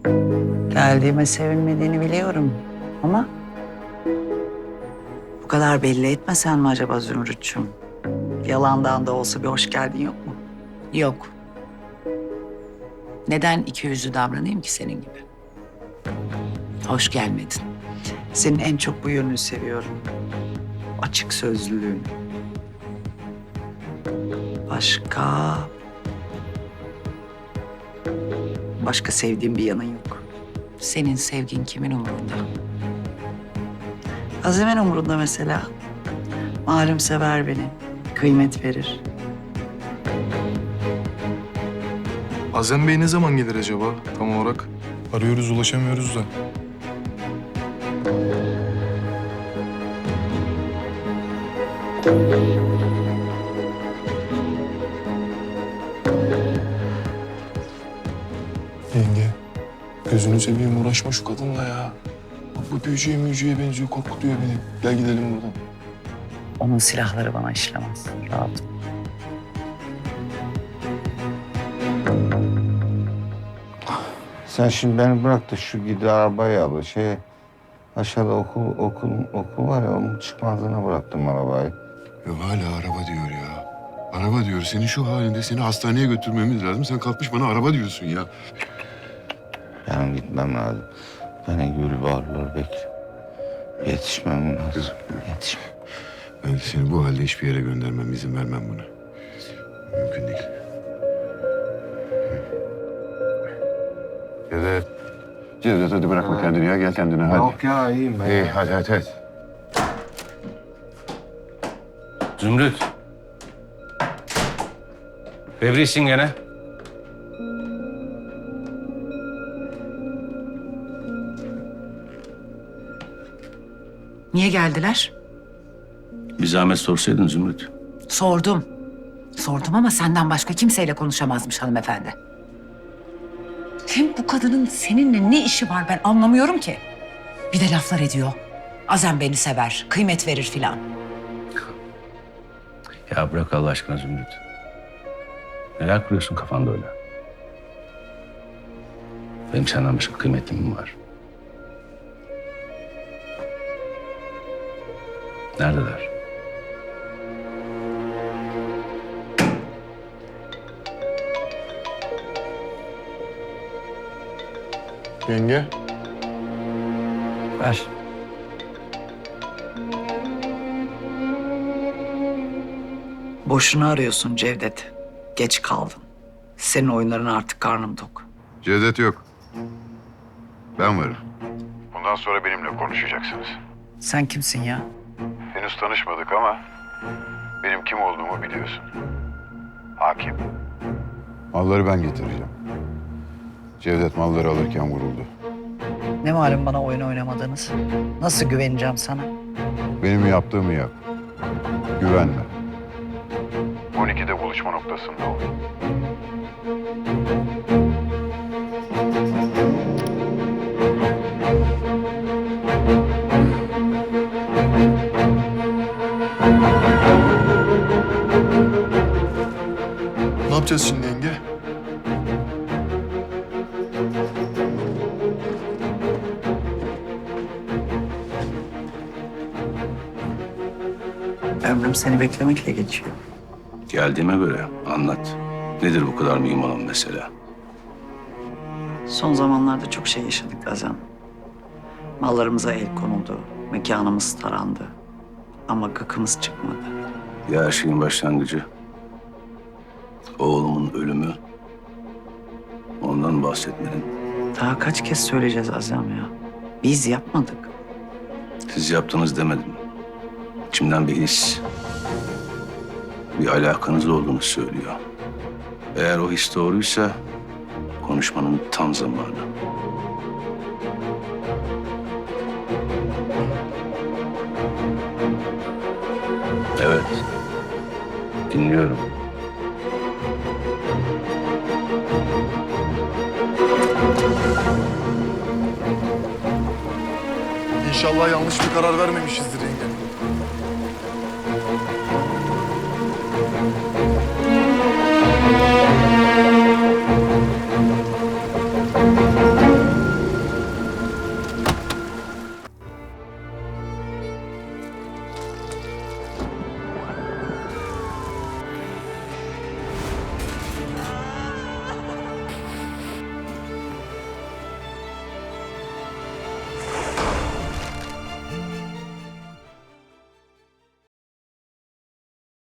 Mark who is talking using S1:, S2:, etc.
S1: Geldiğime sevinmediğini biliyorum ama bu kadar belli etmesen mi acaba Zümrüt'cüğüm? Yalandan da olsa bir hoş geldin yok mu?
S2: Yok. Neden ikiyüzlü davranayım ki senin gibi? Hoş gelmedin.
S1: Senin en çok bu yönünü seviyorum. Açık sözlülüğün. Başka... Başka sevdiğim bir yanın yok.
S2: Senin sevgin kimin umurunda?
S1: Azimen umurunda mesela. Malum sever beni. Kıymet verir.
S3: Azem Bey ne zaman gelir acaba tam olarak? Arıyoruz, ulaşamıyoruz da. Yenge, gözünü seveyim uğraşma şu kadınla ya. Bak bu büyücüye müyücüye benziyor, korkutuyor beni. Gel gidelim buradan.
S1: Onun silahları bana işlemez. Rahat ol.
S4: Sen şimdi beni bırak da şu gidi arabayı al. Aşağıda okul var ya, onun çıkmazına bıraktım arabayı.
S5: Ya hala araba diyor ya. Araba diyor. Senin şu halinde seni hastaneye götürmemiz lazım. Sen kalkmış bana araba diyorsun ya.
S4: Benim gitmem lazım. Beni gül varlar bekle. Yetişmem lazım. Yetişmem.
S5: Ben de seni bu halde hiçbir yere göndermem. İzin vermem buna. Mümkün değil. Cevdet hadi bırakma kendini ya. Gel kendine hadi.
S4: Yok ya, iyiyim ben.
S5: İyi hadi.
S6: Zümrüt. Fevrisin gene.
S2: Niye geldiler?
S6: Bir zahmet sorsaydın Zümrüt.
S2: Sordum. Sordum ama senden başka kimseyle konuşamazmış hanımefendi. Hem bu kadının seninle ne işi var ben anlamıyorum ki. Bir de laflar ediyor. Azem beni sever, kıymet verir filan.
S6: Ya bırak Allah aşkına Zümrüt. Neler kuruyorsun kafanda öyle? Benim senden başka kıymetlim mi var? Neredeler?
S3: Yenge,
S1: Ver. Boşuna arıyorsun Cevdet. Geç kaldın. Senin oyunların artık karnım tok.
S5: Cevdet yok. Ben varım. Bundan sonra benimle konuşacaksınız.
S1: Sen kimsin ya?
S5: Henüz tanışmadık ama benim kim olduğumu biliyorsun. Hakim. Malları ben getireceğim. Cevdet malları alırken vuruldu.
S1: Ne malum bana oyun oynamadınız? Nasıl güveneceğim sana?
S5: Benim yaptığımı yap. Güvenme. 12'de buluşma noktasında ol.
S3: ne yapacağız şimdi yenge?
S1: Ömrüm seni beklemekle geçiyor.
S6: Geldiğime göre anlat. Nedir bu kadar mühim olan mesele?
S1: Son zamanlarda çok şey yaşadık Azem. Mallarımıza el konuldu, mekanımız tarandı. Ama gıkımız çıkmadı.
S6: Ya her şeyin başlangıcı. Oğlumun ölümü. Ondan bahsetmedin.
S1: Daha kaç kez söyleyeceğiz Azem ya? Biz yapmadık.
S6: Siz yaptınız demedim. İçimden bir his, bir alakanız olduğunu söylüyor. Eğer o his doğruysa konuşmanın tam zamanı. Evet, dinliyorum.
S3: İnşallah yanlış bir karar vermemişizdir yenge.